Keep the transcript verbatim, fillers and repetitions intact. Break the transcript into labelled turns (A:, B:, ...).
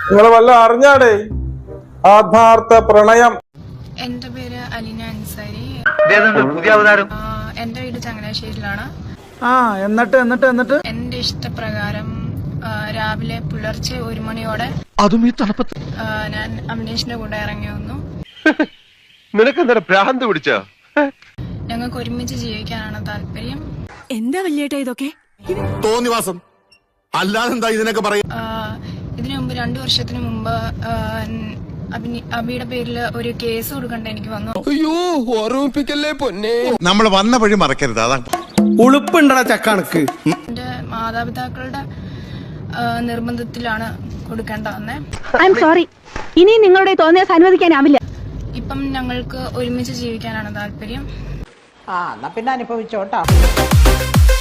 A: നിങ്ങൾ വല്ല അറിഞ്ഞാടേ ആത്മാർത്ഥ പ്രണയം?
B: എന്റെ പേര് അലീന അൻസാരി.
C: പുതിയ അവതാരം.
B: എന്റെ വീട് ചങ്ങനാശ്ശേരിയിലാണ്.
D: ആ എന്നിട്ട് എന്നിട്ട് എന്നിട്ട്
B: എന്റെ ഇഷ്ടപ്രകാരം രാവിലെ പുലർച്ചെ ഒരു മണിയോടെ
C: അതും ഈ തണുപ്പത്ത്
B: ഞാൻ അഭിനേഷിന്റെ കൂടെ ഇറങ്ങി വന്നു.
C: നിനക്കെന്താ ഭ്രാന്ത് പിടിച്ചോ?
B: ഞങ്ങൾക്ക് ഒരുമിച്ച് ജീവിക്കാനാണ് താല്പര്യം.
E: എന്താ വല്യേട്ടാ ഇതൊക്കെ?
F: തോന്നിവാസം അല്ലാതെന്താ ഇതിനൊക്കെ പറയാ?
B: ഇതിനു മുമ്പ് രണ്ടു വർഷത്തിന് മുമ്പ് അബിയുടെ പേരിൽ ഒരു കേസ് കൊടുക്കണ്ട എനിക്ക് വന്നു.
G: അയ്യോ ഓർമ്മിപ്പിക്കല്ലേ പൊന്നെ.
F: നമ്മൾ വന്ന വഴി മറക്കരുത്. അതാ
D: ഉളുപ്പുണ്ടടാ ചക്കണക്ക്.
B: എന്റെ മാതാപിതാക്കളുടെ നിർബന്ധത്തിലാണ് കൊടുക്കേണ്ട വന്നേ.
H: ഐ എം സോറി, ഇനി നിങ്ങളുടെ തോന്നിയാൽ അനുവദിക്കാനാവില്ല.
B: ഇപ്പം ഞങ്ങൾക്ക് ഒരുമിച്ച് ജീവിക്കാനാണ് താല്പര്യം.
I: ആ എന്നാ പിന്നെ അനുഭവിച്ചോട്ടാ.